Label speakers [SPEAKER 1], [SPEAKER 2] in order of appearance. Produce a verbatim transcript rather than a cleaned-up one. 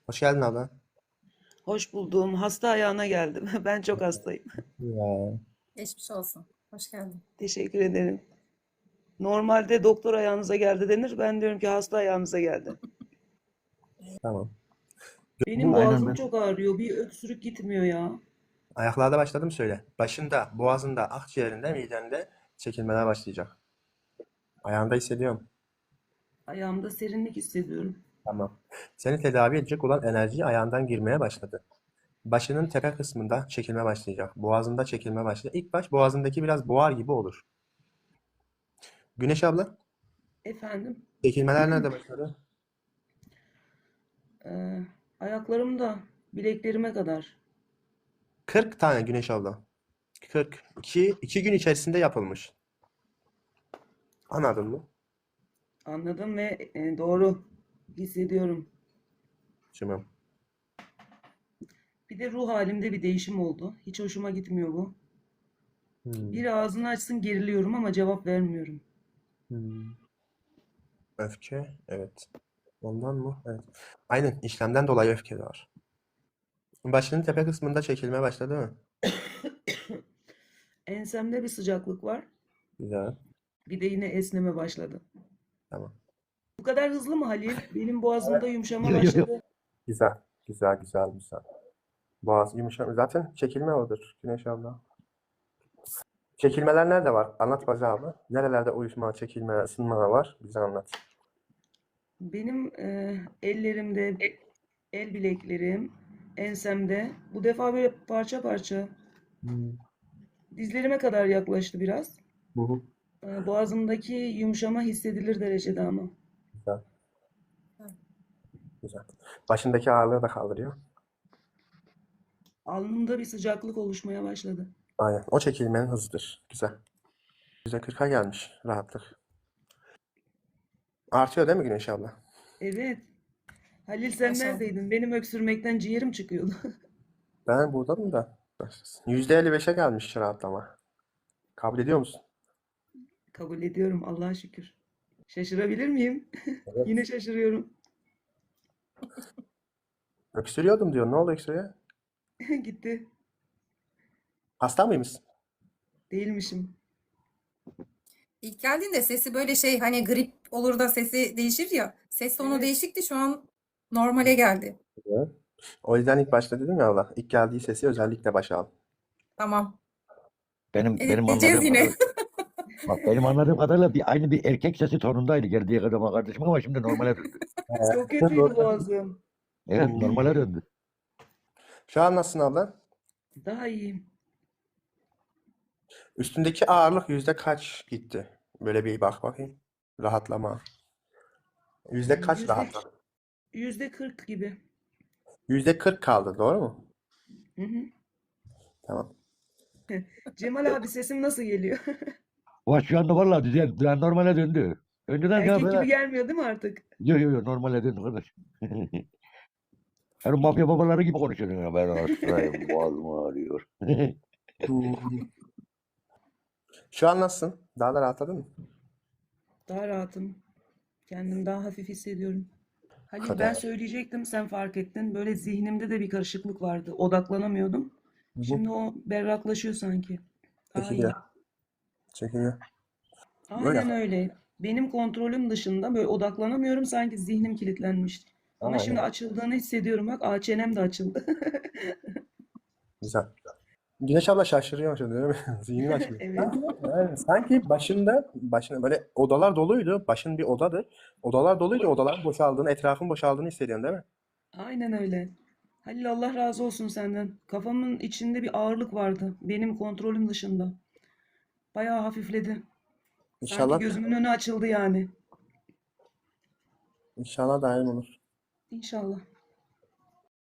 [SPEAKER 1] Hoş geldin abla.
[SPEAKER 2] Hoş buldum. Hasta ayağına geldim. Ben çok hastayım.
[SPEAKER 1] Ya.
[SPEAKER 3] Geçmiş olsun. Hoş geldin.
[SPEAKER 2] Teşekkür ederim. Normalde doktor ayağınıza geldi denir. Ben diyorum ki hasta ayağınıza geldi.
[SPEAKER 1] Tamam.
[SPEAKER 2] Benim
[SPEAKER 1] Bu
[SPEAKER 4] Aynen
[SPEAKER 2] boğazım
[SPEAKER 4] ben.
[SPEAKER 2] çok ağrıyor. Bir öksürük gitmiyor ya.
[SPEAKER 1] ayaklarda başladım söyle. Başında, boğazında, akciğerinde, midende çekilmeler başlayacak. Ayağında hissediyorum.
[SPEAKER 2] Ayağımda serinlik hissediyorum.
[SPEAKER 1] Tamam. Seni tedavi edecek olan enerji ayağından girmeye başladı. Başının tepe kısmında çekilme başlayacak. Boğazında çekilme başlayacak. İlk baş boğazındaki biraz boğar gibi olur. Güneş abla,
[SPEAKER 2] Efendim,
[SPEAKER 1] çekilmeler nerede başladı?
[SPEAKER 2] e, ayaklarımda bileklerime kadar.
[SPEAKER 1] kırk tane Güneş abla. kırk. iki, iki gün içerisinde yapılmış. Anladın mı?
[SPEAKER 2] Anladım ve e, doğru hissediyorum.
[SPEAKER 1] Tamam.
[SPEAKER 2] Bir de ruh halimde bir değişim oldu. Hiç hoşuma gitmiyor bu.
[SPEAKER 1] Hmm.
[SPEAKER 2] Biri ağzını açsın geriliyorum ama cevap vermiyorum.
[SPEAKER 1] Hmm. Öfke, evet. Ondan mı? Evet. Aynen, işlemden dolayı öfke de var. Başının tepe kısmında çekilme başladı mı?
[SPEAKER 2] Ensemde bir sıcaklık var.
[SPEAKER 1] Güzel.
[SPEAKER 2] Bir de yine esneme başladı.
[SPEAKER 1] Tamam.
[SPEAKER 2] Bu kadar hızlı mı Halil? Benim boğazımda yumuşama
[SPEAKER 4] Yok yok yok.
[SPEAKER 2] başladı.
[SPEAKER 1] Güzel. Güzel, güzel, güzel. Boğaz yumuşak. Zaten çekilme odur Güneş abla. Çekilmeler nerede var? Anlat Bacı abla. Nerelerde uyuşma, çekilme, ısınma var? Bize anlat.
[SPEAKER 2] Benim e, ellerimde, el bileklerim, ensemde. Bu defa böyle parça parça.
[SPEAKER 1] Hmm.
[SPEAKER 2] Dizlerime kadar yaklaştı biraz.
[SPEAKER 1] Hı hı.
[SPEAKER 2] E, boğazımdaki yumuşama hissedilir derecede ama.
[SPEAKER 1] Güzel, güzel. Başındaki ağırlığı da kaldırıyor.
[SPEAKER 2] Alnımda bir sıcaklık oluşmaya başladı.
[SPEAKER 1] Aynen. O çekilmenin hızıdır. Güzel. yüzde kırka gelmiş rahatlık. Artıyor değil mi Güneş abla?
[SPEAKER 2] Evet. Halil sen
[SPEAKER 3] Maşallah.
[SPEAKER 2] neredeydin? Benim öksürmekten ciğerim çıkıyordu.
[SPEAKER 1] Ben buradayım da. yüzde elli beşe gelmiş rahatlama. Kabul ediyor musun?
[SPEAKER 2] Kabul ediyorum Allah'a şükür. Şaşırabilir miyim?
[SPEAKER 1] Evet.
[SPEAKER 2] Yine şaşırıyorum.
[SPEAKER 1] Öksürüyordum diyor. Ne oldu öksürüğe?
[SPEAKER 2] Gitti.
[SPEAKER 1] Hasta mıymışsın?
[SPEAKER 2] Değilmişim.
[SPEAKER 3] İlk geldiğinde sesi böyle şey hani grip olur da sesi değişir ya. Ses tonu
[SPEAKER 2] Evet.
[SPEAKER 3] değişikti, şu an normale geldi.
[SPEAKER 1] Evet. O yüzden ilk başta dedim ya Allah. İlk geldiği sesi özellikle başa al.
[SPEAKER 3] Tamam.
[SPEAKER 4] Benim benim
[SPEAKER 3] Editleyeceğiz
[SPEAKER 4] anladığım
[SPEAKER 3] yine.
[SPEAKER 4] kadarıyla bak benim anladığım kadarıyla bir aynı bir erkek sesi tonundaydı geldiği kadar kardeşim ama şimdi normale döndü.
[SPEAKER 2] Çok kötüydü boğazım.
[SPEAKER 4] Evet
[SPEAKER 1] Hmm.
[SPEAKER 4] normale döndü.
[SPEAKER 1] Şu an nasılsın abla?
[SPEAKER 2] Daha iyiyim.
[SPEAKER 1] Üstündeki ağırlık yüzde kaç gitti? Böyle bir bak bakayım. Rahatlama. Yüzde kaç
[SPEAKER 2] Yüzde,
[SPEAKER 1] rahatladı?
[SPEAKER 2] yüzde kırk gibi.
[SPEAKER 1] Yüzde kırk kaldı. Doğru mu?
[SPEAKER 2] Hı hı.
[SPEAKER 1] Tamam.
[SPEAKER 2] Cemal abi sesim nasıl geliyor?
[SPEAKER 4] Ama şu anda vallahi düzel, yani normale döndü. Önceden ya
[SPEAKER 2] Erkek gibi
[SPEAKER 4] böyle
[SPEAKER 2] gelmiyor değil mi artık?
[SPEAKER 4] yok yok yok normale döndü kardeş. Yani mafya babaları gibi konuşuyorsun ya ben hastayım boğazım ağrıyor.
[SPEAKER 1] Şu an nasılsın? Daha da rahatladın mı?
[SPEAKER 2] Daha rahatım. Kendimi daha hafif hissediyorum. Halil ben
[SPEAKER 1] Kadar.
[SPEAKER 2] söyleyecektim sen fark ettin. Böyle zihnimde de bir karışıklık vardı. Odaklanamıyordum.
[SPEAKER 1] Hı hı.
[SPEAKER 2] Şimdi o berraklaşıyor sanki. Daha iyi.
[SPEAKER 1] Çekiliyor. Çekiliyor. Böyle.
[SPEAKER 2] Aynen öyle. Benim kontrolüm dışında böyle odaklanamıyorum. Sanki zihnim kilitlenmiş. Ama şimdi
[SPEAKER 1] Aynen.
[SPEAKER 2] açıldığını hissediyorum. Bak ağ çenem de açıldı.
[SPEAKER 1] Güzel. Güneş abla şaşırıyor şimdi değil mi? Zihnin açılıyor.
[SPEAKER 2] Evet.
[SPEAKER 1] Yani sanki başında, başında böyle odalar doluydu. Başın bir odadır. Odalar doluydu. Odaların boşaldığını, etrafın boşaldığını hissediyorsun değil mi?
[SPEAKER 2] Aynen öyle. Halil Allah razı olsun senden. Kafamın içinde bir ağırlık vardı. Benim kontrolüm dışında. Bayağı hafifledi. Sanki
[SPEAKER 1] İnşallah,
[SPEAKER 2] gözümün önü açıldı yani.
[SPEAKER 1] inşallah daim olur.
[SPEAKER 2] İnşallah.